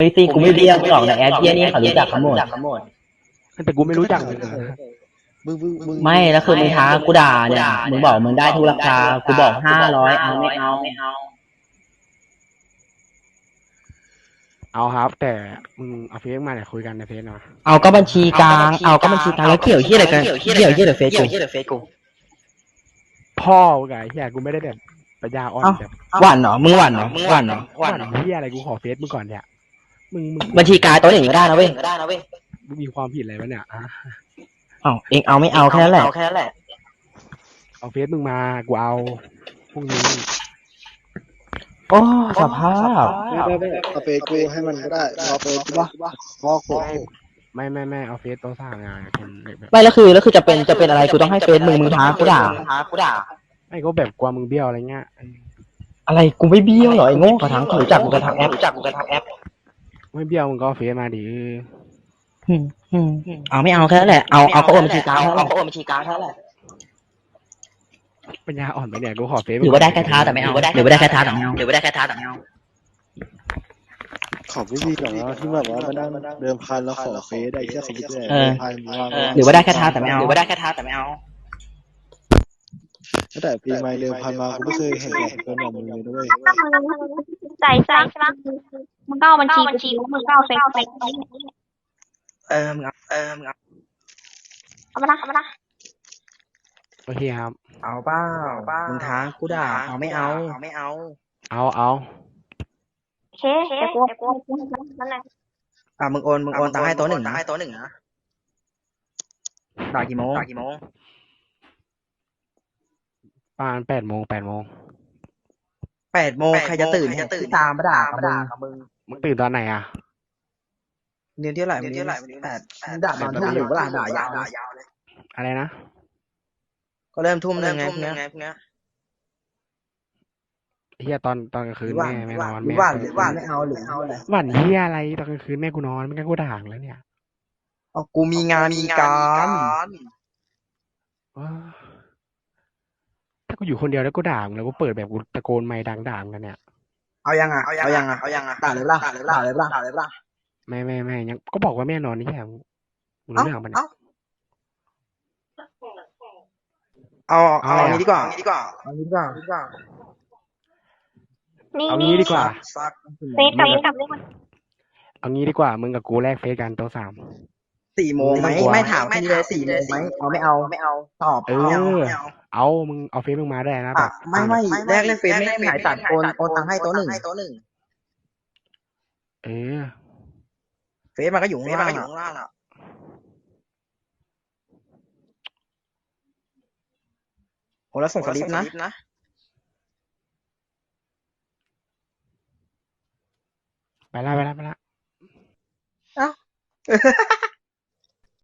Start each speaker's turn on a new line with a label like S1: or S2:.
S1: ฮ้ยตีกูไม่เรียกหรอกในแอปเหี้ยนี่เขารู้จักทั้งหมด
S2: แต่กูไม่รู้จักเลยนะ
S3: มึง
S1: ไม่แล้วคือมึงท้ากูด่าเนี่ยมึงบอกมึงได้ทุกราคากูบอก500เอาไม่เอา
S2: เอาครับ แต่มึงเอาเฟซมาเนี่ยคุยกันในเฟซนะ
S1: เอาก็บัญชีกลางเอาก็บัญชีกลางแล้วเกี่ยวเหี้ยอะไรกันเกี่ยวเหี้ยเดี๋ยวเฟซกู
S2: พ่อมึงไงเฮียกูไม่ได้แบบปัญญาอ่อนแบบ
S1: หวานเหรอมึงหวานเหรอหวานเหรอ
S2: ว่าเฮียอะไรกูขอเฟซมึงก่อนเนี่ยมึง
S1: บัญชีกลางตัวหนึ่งก็ได้นะเว้ย
S2: มึงมีความผิดอะไรวะเนี่ยอะ
S1: เอาเองเอาไม่เอาแค่นั้นแหละ
S2: เอาเฟซมึงมากูเอาพรุ่งนี้
S1: โอ้สภาพ
S3: เอาเฟซกูให้มันก็ได้รอเฟซกูป่ะพอโค
S2: ไม่เอาเฟซโต๊ะสร้างงานเป็นแบบ
S1: ไม่แล้วคือจะเป็นอะไรกูต้องให้เฟซมึงท้ากูด่า
S2: ไม่ก็แบบกลัวมึงเบี้ยวอะไรเงี้ย
S1: อะไรกูไม่เบี้ยวหรอไอ้โง่กระทั่งรู้จักกูกระทั่งแอป
S2: ไม่เบี้ยวมึงก็เอาเฟซมาดิ
S1: เอาไม่เอาแค่นั้นแหละเอาก็โอนบัญชีกลางเท่านั้นแหละ
S2: ปัญญาอ่อนไปเนี่ยกูขอเฟซ
S1: หรือว่าได้แค่ท้าแต่ไม่เอาหรือว่าได้แค่ท้าแต่ไม่เอา
S3: ขอพี่พี่ก่อนว่าที่แบบว่ามานั่งเดิมพันแล้วขอเฟซได้แค่เขาคิดเลยเดิมพันว่า
S1: หรือว่าได้แค่ท้าแต่ไม่เอา
S3: แต่ปีใหม่เดิมพันมากูไม่เคยเห็นแบบคนแบบมึงเลยด้วย
S4: ถ้ามึงใจใช่ไหมมึงก็เอาบัญชีมึงก็เอาเฟซมึงเอามานะ
S2: โอเคครับ
S1: เอาเปล่ามึงท้ากูด่าเอาไม่เอา
S2: เอา
S4: โอเคแต่กูนั่นแหละ
S1: มึงโอนตังค์ให้โต๊ะหนึ่งนะด่ากี่โมง
S2: ประมาณ8 โมง
S1: 8 โมงใครจะตื่นตามมาด่ากับมึง
S2: มึงตื่นตอนไหนอ่ะ
S1: เรียนเที่ยวไหร่8มึงด่าตอนทุ่มหนึ่งเวลาด่ายาวเลย
S2: อะไรนะ
S1: ก็เริ่มทุ่มหนึ่งไงพวกเนี้ย
S2: เฮียตอนกลางคืนแม่ไม่นอน
S1: หรือ
S2: แม่
S1: ว่าไม่เอาหรือเอาอะไร
S2: หวันเฮียอะไรตอนกลางคืนแม่กูนอนไม่งั้นกูด่างแล้วเนี่ย
S1: เอากูมีงานมีการ
S2: ว้าถ้ากูอยู่คนเดียวแล้วกูด่ามึงแล้วกูเปิดแบบกูตะโกนไมค์ดังด่ามึงกันเนี่ย
S1: เอายังด่าเลยป่ะ
S2: ไม่ยังก็บอกว่าแม่นอนนี่แค่มึงรู้เรื่องมันย
S1: เอาอันนี้ดีกว่า
S4: นี่
S2: เอางี้ดีกว่า
S4: เฟซกับ
S2: เอางี้ดีกว่ามึงกับกูแลกเฟซกันโต๊ะ3
S1: 4 โมงไหมไม่ถามทีเลย4 โมงไหมเอาไม่เอาตอบ
S2: เอามึงเอาเฟซมึงมาได้นะแบบ
S1: ไม่แรกเล่นเฟซไม่ได้หายตัดโอนตังค์ให้โต๊ะหนึ่ง
S2: เออ
S1: เฟซมันก็อยู่ข้างล่างอ่ะโหแล้วส่งสลิปนะ
S2: ไปละ
S1: เอ้า